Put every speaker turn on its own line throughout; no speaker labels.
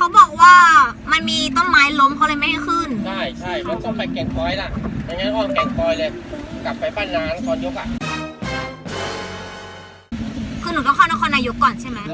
เขาบอกว่ามันมีต้นไม้ล้มเขาเลยไม่ให้ขึ้น
ใช่มันต้องไปแก่งคอยล่ะไม่งั้นอ้อมแก่งคอยเลยกลับไปบ้านนางตอนยกอ่ะ
คือหนูต้องเข้านครนายกก่อนใช่ไหม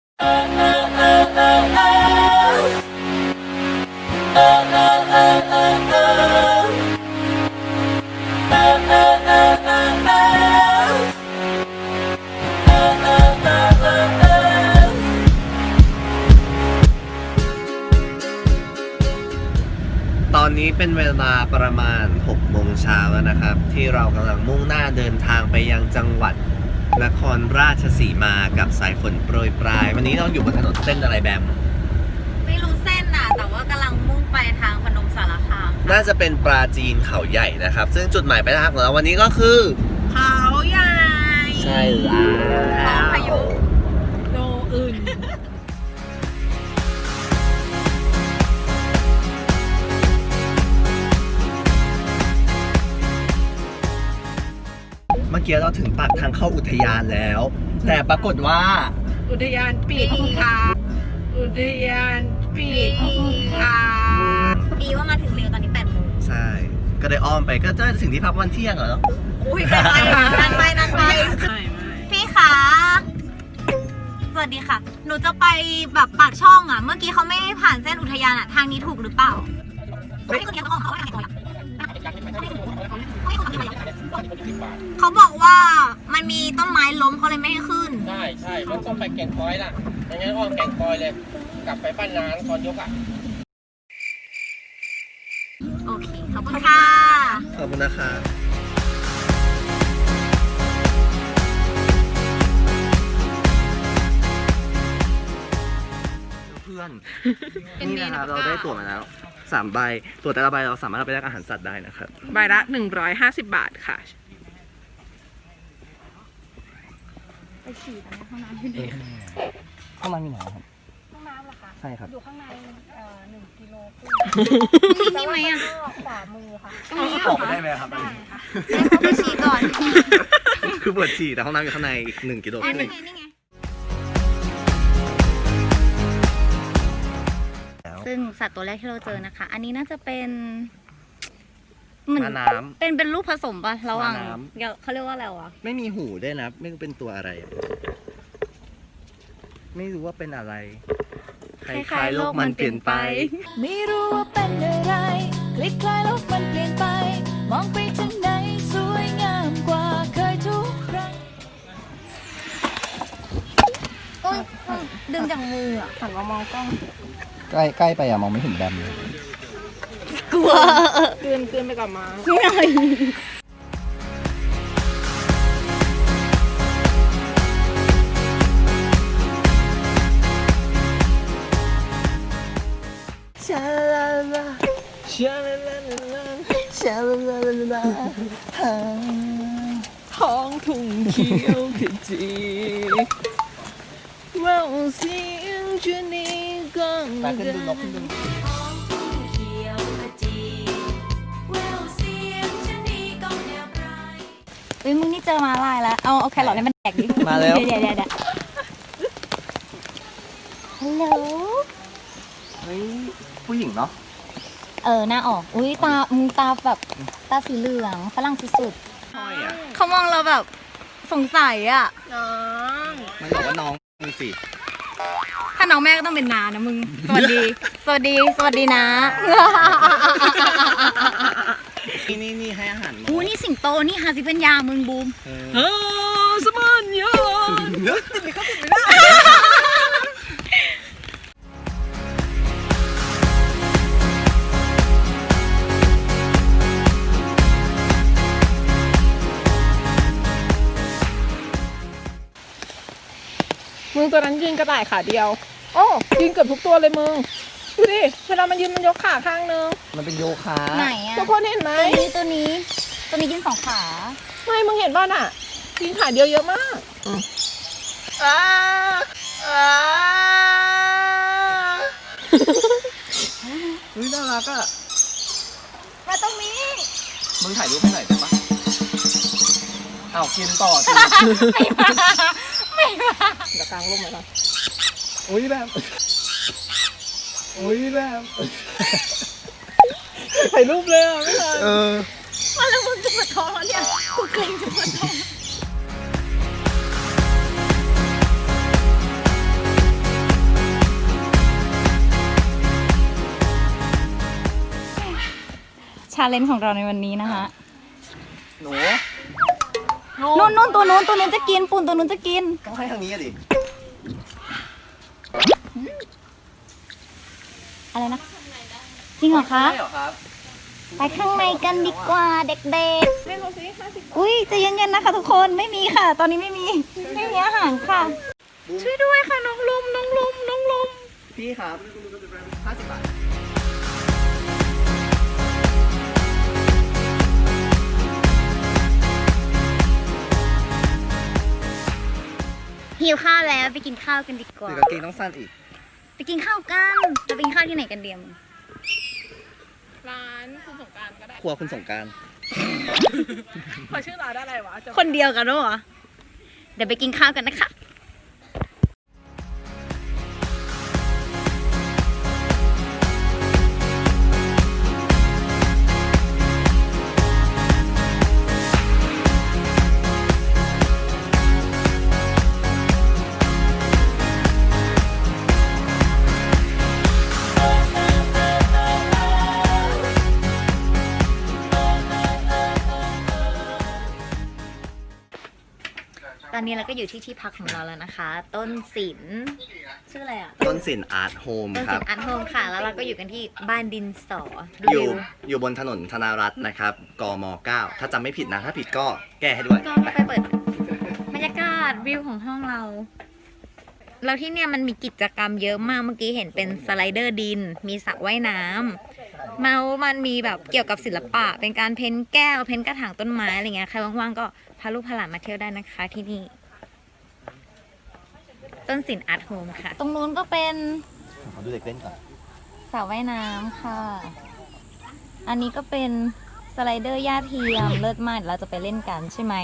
ตอนนี้เป็นเวลาประมาณ 6 โมงเช้าแล้วนะครับ ที่เรากำลังมุ่งหน้าเดินทางไปยังจังหวัดนครราชสีมากับสายฝนโปรยปลาย วันนี้เราอยู่บนถนนเส้นอะไรแบม
ไม่รู้เส้นน่ะแต่ว่ากำลังมุ่งไปทางพนมสารคาม
น่าจะเป็นปราจีนเขาใหญ่นะครับ ซึ่งจุดหมายปลายทางของเราวันนี้ก็คือ
เขาใหญ่
ใช่แล้ว
พายุ
โนอื่น
เมื่อกี้เราถึงปากทางเข้าอุทยานแล้ว แต่ปรากฏว่า
อุทยานปิดค่ะอุทยานปิดค่ะ
ดีว่ามาถึงเร็วตอนนี้8 โมง
ใช่ก็ได้อ้อมไปก็จะถึงที่พักวันเที่ยงเหรอ
อุ้ยไปนั่งไปพี่คะสวัสดีค่ะหนูจะไปแบบปากช่องอ่ะเมื่อกี้เขาไม่ให้ผ่านเส้นอุทยานอ่ะทางนี้ถูกหรือเปล่าเขาบอกว่ามันมีต้นไม้ล้มเขาเลยไม่ให้ขึ้น
ใช่มันต้องไปแก่งคอยล่ะไม่งั้นอ้อมแก่งคอยเลยกลับไปบ้านนางตอนยกอ่ะ
โอเคขอบคุณค่ะ
ขอบคุณนะคะเพื่อนนี่นะครับเราได้ตั๋วมาแล้ว3 ใบตั๋วแต่ละใบเราสามารถเอาไปแลกอาหารสัตว์ได้นะครับ
ใบละ150 บาทค่ะ
ไปฉี่กันในห้องน้ำที่ไหน
ห้องน้ำมีไหนครับ
ห้องน้ำเหรอคะ
ใช่ครับ
อยู่ข้างใน1 กิโลครึ่งนี่ไหมอ่ะขวามือค่ะ
ออกไปได้ไหมครับได้
ค่ะเขาไปฉี่ก่อน
คือปวดฉี่แต่ห้องน้ำอยู่ข้างในอีก1 กิโลครึ่ง
ซึ่งสัตว์ตัวแรกที่เราเจอนะคะอันนี้น่าจะเป็นเหมือน
น้ำ
เป็นลูกผสมป่ะระหว่างเขาเรียกว่าอะไรวะ
ไม่มีหูด้วยนะไม่รู้เป็นตัวอะไรไม่รู้ว่าเป็นอะไรคล้ายๆโลกมันเปลี่ยนไป
ไม่รู้ว่าเป็นอะไรคล้ายๆโลกมันเปลี่ยนไปมองไปทางไหนสวยงามกว่าเคยทุกครั้ง
ดึงจากมืออ่ะ
หันมามองกล้อง
ใกล้ไปอะมองไม่เห็นแบมเลย
กลัว
เกินไปกับมา
ชาลาลาชาลาลาลาชาลาลาลา
ท้องทุ่งเขียวขจีว่าเสียงจะนี้ก็
ไปขึ้นดูนกขึ้นดู
มึงนี่เจอมาลายแล้วเอาแครอทให้มันแดกดิ
มาแล้ว
เดี๋ยวฮัลโหล
เฮ้ยผู้หญิงเนาะ
หน้าออกอุ้ยมึงตาแบบตาสีเหลืองฝรั่งสุด
ห้อยอ่ะ
เขามองเราแบบสงสัยอ่ะ
น้อง
มันบอกว่าน้องมึงสิ
ถ้าน้องแม่ก็ต้องเป็นนานะมึงสวัสดีนะ
นี่ให้อาหาร
นี่สิงโตนี่ฮาซิเป็นยามึงบูม
สมันยามึงตัวนั้นยืนกระต่ายขาเดียวโอ้ยืนเกือบทุกตัวเลยมึงดูดิเวลามันยืนมันยกขาข้างนึง
มันเป็นโยคะ
ไหนอะ
ทุกคนเห็นไหม
ตัวนี้ยืน2 ขา
ไม่มึงเห็นบ้านอ่ะยืนขาเดียวเยอะมาก
น่ารักอ่ะ
มาตรงนี้
มึงถ่ายรูปให้หน่อยได้ปะกินต่อสิ
ไม่มา
เดี๋ยวกลางร่มเลยนะ
อุ้ยแบบอุ้ยแบบ
ถ่ายรูปเลยอ่ะไม่ทัน
มาแล้วมึงจะปวดท้องแล้วเนี่ยกูเกรงจะปวดท้องชาเลนจ์ของเราในวันนี้นะคะ
หนู
นู่นตัวนู้นจะกินปุ่นตัวนู้นจะกิน
ต้องให้ทางนี้อะดิ
อะไรนะจริงเหรอคะ
ใช่เหรอครับ
ไปข้างในกันดีกว่าเด็ก
เล่นดูสิ50
ๆอุ้ยใจะเย็นๆนะคะทุกคนไม่มีค่ะ ตอนนี้ไม่มีอาหารค่ะ ช่วยด้วยค่ะน้องลม
พี่ครับ50 บาท
หิวข้าวแล้วไปกินข้าวกันดีกว่า
เดี๋ยวกางเกงต้องสั้นอีก
ไปกินข้าวกันจะไปกินข้าวที่ไหนกันเดียม
ร้านคุณสงกรานต์ก็ได้
ครัวคุณสงกราร
ขอชื่อร้านอะไรวะจะ
คนเดียวกันด้วยเหรอเดี๋ยวไปกินข้าวกันนะคะ ตอนนี้เราก็อยู่ที่พักของเราแล้วนะคะ ต้นศิลป์ชื่ออะไรอ่ะ
ต้นสินอาร์ตโฮม
ต้น
ค
ศิ
รับ
ลป์อาร์ตโฮมค่ะ แล้วเราก็อยู่กันที่บ้านดินสอดู
อยู่
วิว
อยู่บนถนนธนารัตน์นะครับ กม 9 ถ้าจำไม่ผิดนะ ถ้าผิดก็แก้ให้ด้วย
ก็ไปเปิดบรรยากาศวิวของห้องเรา แล้วที่เนี่ยมันมีกิจกรรมเยอะมาก เมื่อกี้เห็นเป็นสไลเดอร์ดิน มีสระว่ายน้ำมันมีแบบเกี่ยวกับศิลปะ เป็นการเพ้นแก้ว เพ้นกระถางต้นไม้อะไรเงี้ย ใครว่างๆก็พาลูกพาหลานมาเที่ยวได้นะคะที่นี่ ต้นศิลป์อาร์ตโฮมค่ะ ตรงนู้นก็เป็น
ขอดูเด็กเล่นก่อน
สระว่ายน้ำค่ะ อันนี้ก็เป็นสไลเดอร์หญ้าเทียม เลิศมากเดี๋ยวเราจะไปเล่นกันใช่ไหม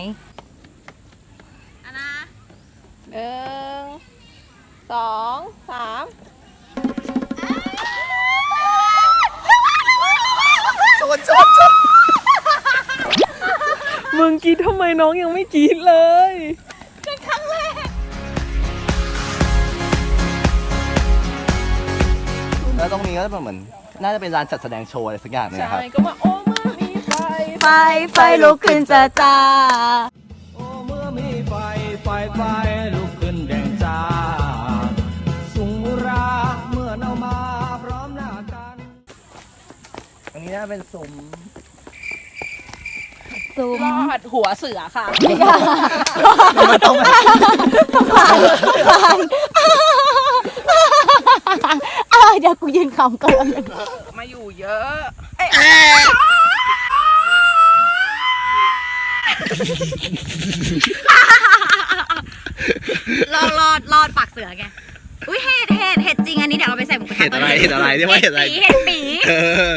1 2 3 มึงกรีดทำไมน้องยังไม่กรีดเลย
แล้วตรงนี้ก็เหมือน น่าจะเป็นร้านจัดแสดงโชว์อะไรสักอย่างเนยนะครับ
ใช่ ก็มาโอ้มามีไฟ
ไฟลุกขึ้นจ้า
โอ้เมื่อมีไฟลุกขึ้นแดงจ้า สุงราเมื่อเอามาพร้อมหน้ากัน
ตรงนี้น่าเป็นซุ้ม
ซูม
รอดหัวเสือค่ะ
มันต้องแบบ
เดี๋ยวกูยืนคำก่อน
มาอยู่เยอะ
รอดปากเสือไง อุ้ยเห็ดจริงอันนี้เดี๋ยวเอาไปใส่หมูกระทะ
เห็ดอะไรเห็ดอะไรเรียกว่าเห็ดอะไร
เห็ดปี
เออ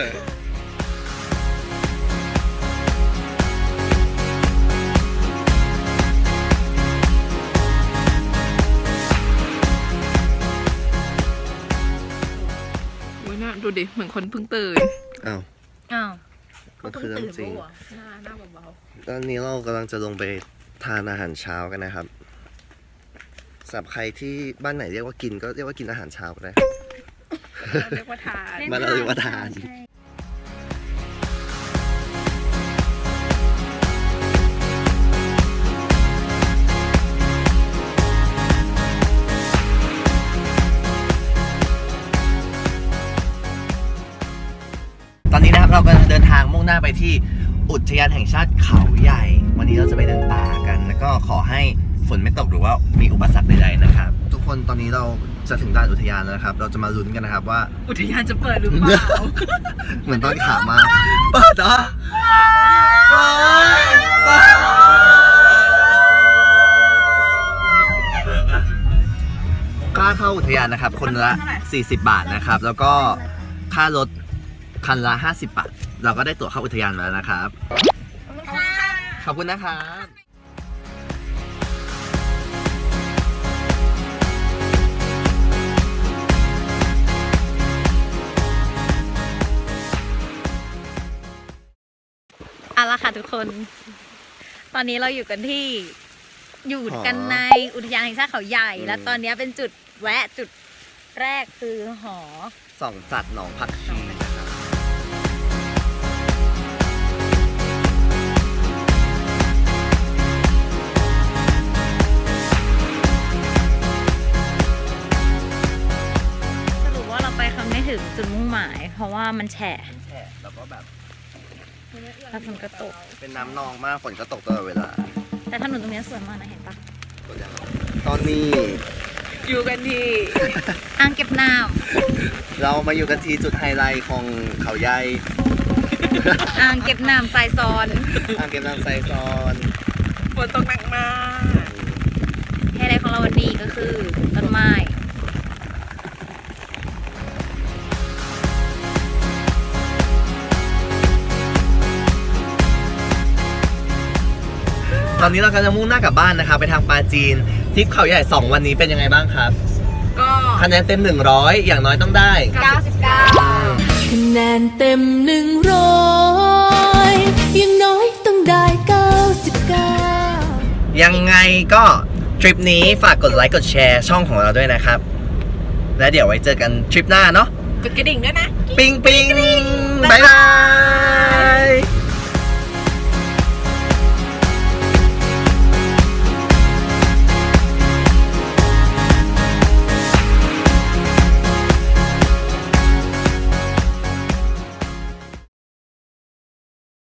อุ้ยน่าดูดิ เหมือนคนเพิ่งตื่น
อ้าว
อ้าว
มันคือเรื่องจริง
หน้าเบา
ตอนนี้เรากำลังจะลงไปทานอาหารเช้ากันนะครับสำหรับใครที่บ้านไหนเรียกว่ากินก็เรียกว่ากินอาหารเช้าก็ได้
ๆเราเรียกว่าทาน
บ้านเราเรียกว่าทาน
ใช่
ตอนนี้นะครับเรากำลังเดินทางมุ่งหน้าไปที่อุทยานแห่งชาติเขาใหญ่ วันนี้เราจะไปเดินป่ากัน แล้วก็ขอให้ฝนไม่ตกหรือว่ามีอุปสรรคใดๆนะครับ ทุกคนตอนนี้เราจะถึงด่านอุทยานแล้วนะครับ เราจะมาลุ้นกันนะครับว่า
อุทยานจะเปิดหรือเปล่า
เหมือนตอนขามาเปิดเหรอค่าเข้าอุทยานนะครับ คนละ 40 บาทนะครับ แล้วก็ค่ารถคันละ 50 บาท เราก็ได้ตั๋วเข้าอุทยานมาแล้วนะครับ ขอบคุณนะครับ
ค่ะทุกคน ตอนนี้เราอยู่กันในอุทยานแห่งชาติเขาใหญ่ และตอนนี้เป็นจุดแวะจุดแรกคือหอ
ส่องสัตว์หนองผักชี
สรุปว่าเราไปคำไม่ถึงจุดมุ่งหมาย เพราะว่ามันแฉะ
แฉะแล้วก็แบบ
แล้วฝนก็ตก
เป็นน้ำนองมากฝนก็ตกตลอดเวลา
แต่ถนนตรงนี้สวยมากนะเห็นปะ
ตอนนี้
อยู่กันที่
อ่างเก็บน้
เรามาอยู่กันที่จุดไฮไลท์ของเขาใหญ่
ำอ่างเก็บน้ำทรายซ้อน
อ่างเก็บน้ำไซซอน
ฝนตกหนักมาก
ไฮไลท์ของเราวันนี้ก็คือต้นไม้
ตอนนี้เรากำลังจะมุ่งหน้ากลับบ้านนะครับไปทางปาจีนทริปเขาใหญ่ 2 วันนี้เป็นยังไงบ้างครับ
ก็
คะแนนเต็ม 100 อย่างน้อยต้องได้
99
คะแนนเต็ม100ยังน้อยต้องได้ 99
ยังไงก็ทริปนี้ฝากกดไลค์กดแชร์ช่องของเราด้วยนะครับ และเดี๋ยวไว้เจอกันทริปหน้าเนาะ
กดกระดิ่งด้วยนะ
ปิงปิงบ๊ายบาย